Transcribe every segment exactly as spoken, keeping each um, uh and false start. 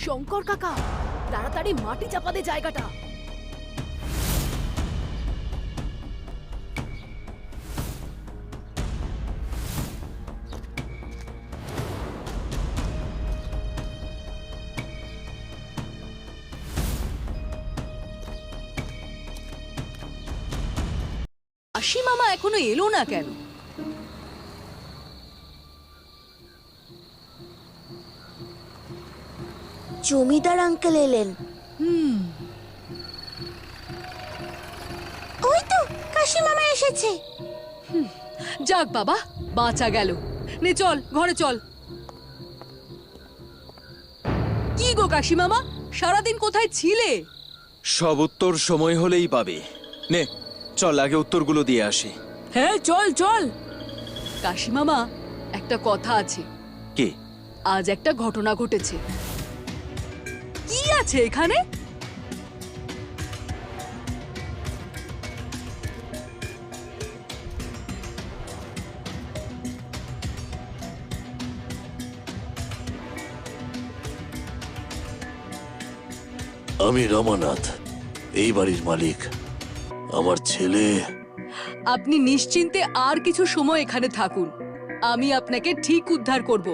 শঙ্কর কাকা, তাড়াতাড়ি মাটি চাপা দে জায়গাটা। আশি মামা এখনো এলো না কেন? জমিদার আঙ্কেল এলেন। হুম, ওই তো কাশি মামা এসেছে। যাক বাবা, বাঁচা গেল। নে চল, ঘরে চল। কি গো কাশি মামা, সারাদিন কোথায় ছিলে? সব উত্তর সময় হলেই পাবে। নে চল, আগে উত্তরগুলো দিয়ে আসি। হ্যাঁ চল চল। কাশি মামা, একটা কথা আছে। কি? আজ একটা ঘটনা ঘটেছে। কি আছে এখানে? আমি রমানাথ, এই বাড়ির মালিক। আমার ছেলে। আপনি নিশ্চিন্তে আর কিছু সময় এখানে থাকুন, আমি আপনাকে ঠিক উদ্ধার করব।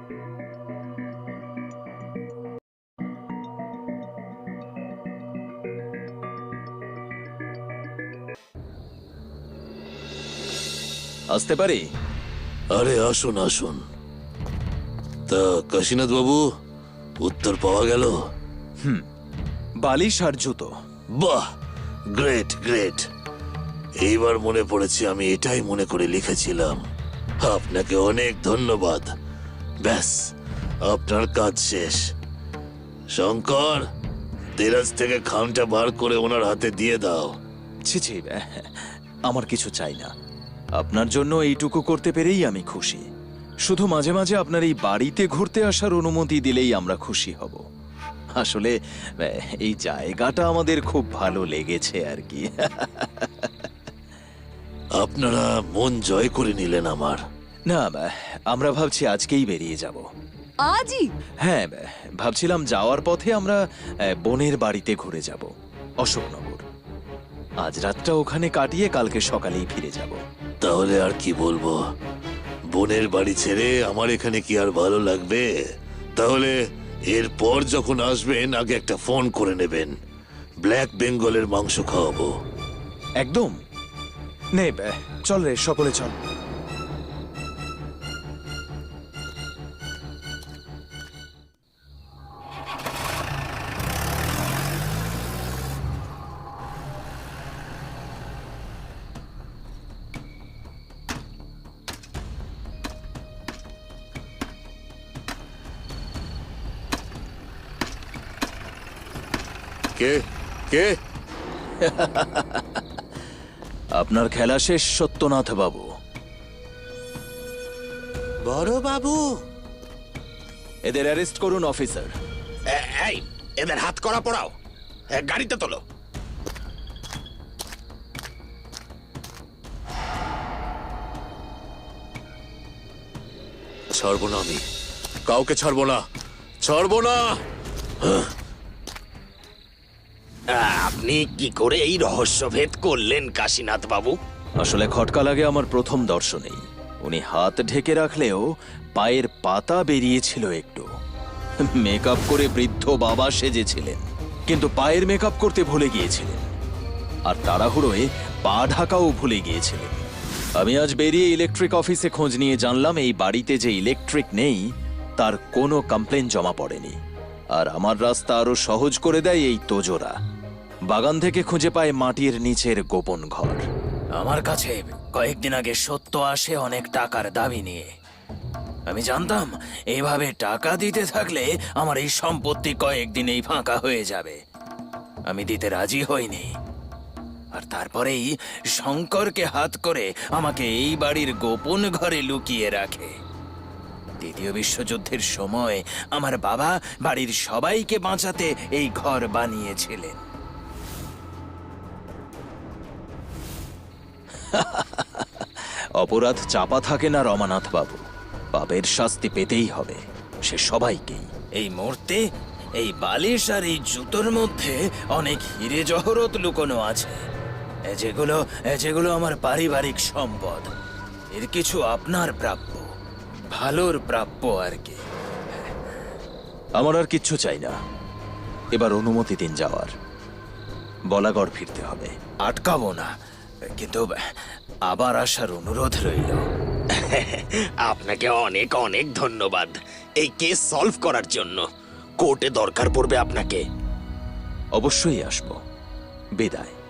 আসতে পারি? আরে আসুন আসুন। তা কাশীনাথ বাবু, উত্তর পাওয়া গেল? বালিশ আর জুতো। বাহ, গ্রেট গ্রেট। এইবার মনে পড়েছে, আমি এটাই মনে করে লিখেছিলাম। আপনাকে অনেক ধন্যবাদ। ব্যাস, আপনার কাজ শেষ। শঙ্কর, দেরাজ থেকে খামটা বার করে ওনার হাতে দিয়ে দাও। ছি ছি, আমার কিছু চাই না। আপনার জন্য এইটুকু করতে পেরেই আমি খুশি। শুধু মাঝে মাঝে আপনার এই বাড়িতে ঘুরতে আসার অনুমতি দিলেই আমরা খুশি হব। আসলে এই জায়গাটা আমাদের খুব ভালো লেগেছে আর কি। আপনারা মন জয় করে নিলেন আমার। না, আমরা ভাবছি আজকেই বেরিয়ে যাব। আজই? হ্যাঁ, ভাবছিলাম যাওয়ার পথে আমরা বোনের বাড়িতে ঘুরে যাব, অশোকনগর। আজ রাতটা ওখানে কাটিয়ে কালকে সকালেই ফিরে যাব। তাহলে আর কি বলবো, বোনের বাড়ি ছেড়ে আমার এখানে কি আর ভালো লাগবে? তাহলে এরপর যখন আসবেন আগে একটা ফোন করে নেবেন। ব্ল্যাক বেঙ্গলের মাংস খাওয়াবো। একদম। নে চল রে, সকলে চল। কে কে? আপনার খেলা শেষ, সত্যনাথ বাবু। বড় বাবু, এদের অ্যারেস্ট করুন অফিসার। এই, এদের হাত করা পড়াও, গাড়িতে তোলো। ছাড়বো না আমি, কাউকে ছাড়বো না, ছাড়বো না। আপনি কি করে এই রহস্যভেদ করলেন কাশীনাথ বাবু? আসলে খটকা লাগে আমার প্রথম দর্শনেই। উনি হাত ঢেকে রাখলেও পায়ের পাতা বেরিয়েছিল একটু। মেকআপ করে বৃদ্ধ বাবা সেজেছিলেন, কিন্তু পায়ের মেকআপ করতে ভুলে গিয়েছিলেন। আর তাড়াহুড়োয় পা ঢাকাও ভুলে গিয়েছিলেন। আমি আজ বেরিয়ে ইলেকট্রিক অফিসে খোঁজ নিয়ে জানলাম এই বাড়িতে যে ইলেকট্রিক নেই তার কোনো কমপ্লেন জমা পড়েনি। আর আমার রাস্তা আরো সহজ করে দেয় এই তোজোরা। বাগান থেকে খুঁজে পায় মাটির নিচের গোপন ঘর। আমার কাছে কয়েকদিন আগে সত্য আসে অনেক টাকার দাবি নিয়ে। আমি জানতাম এইভাবে টাকা দিতে থাকলে আমার এই সম্পত্তি কয়েকদিনেই ফাঁকা হয়ে যাবে। আমি দিতে রাজি হইনি। আর তারপরেই শঙ্করকে হাত করে আমাকে এই বাড়ির গোপন ঘরে লুকিয়ে রাখে। দ্বিতীয় বিশ্বযুদ্ধের সময় আমার বাবা বাড়ির সবাইকে বাঁচাতে এই ঘর বানিয়েছিলেন। অপরাধ চাপা থাকে না রমানাথ বাবু, পাপের শাস্তি পেতেই হবে, সে সবাইকেই। এই মুহূর্তে এই বালিশ আর এই জুতোর মধ্যে অনেক হিরে জহরত লুকোনো আছে, এ যেগুলো এ যেগুলো আমার পারিবারিক সম্পদ। এর কিছু আপনার প্রাপ্য, ভালোর প্রাপ্য আর কি। আমার আর কিচ্ছু চাই না। এবার অনুমতি দিন যাওয়ার। বলাগড় ফিরতে হবে। আটকাবো না, কিন্তু আবার আসার অনুরোধ রইল। আপনাকে অনেক অনেক ধন্যবাদ এই কেস সলভ করার জন্য। কোর্টে দরকার পড়বে আপনাকে। অবশ্যই আসবো। বিদায়।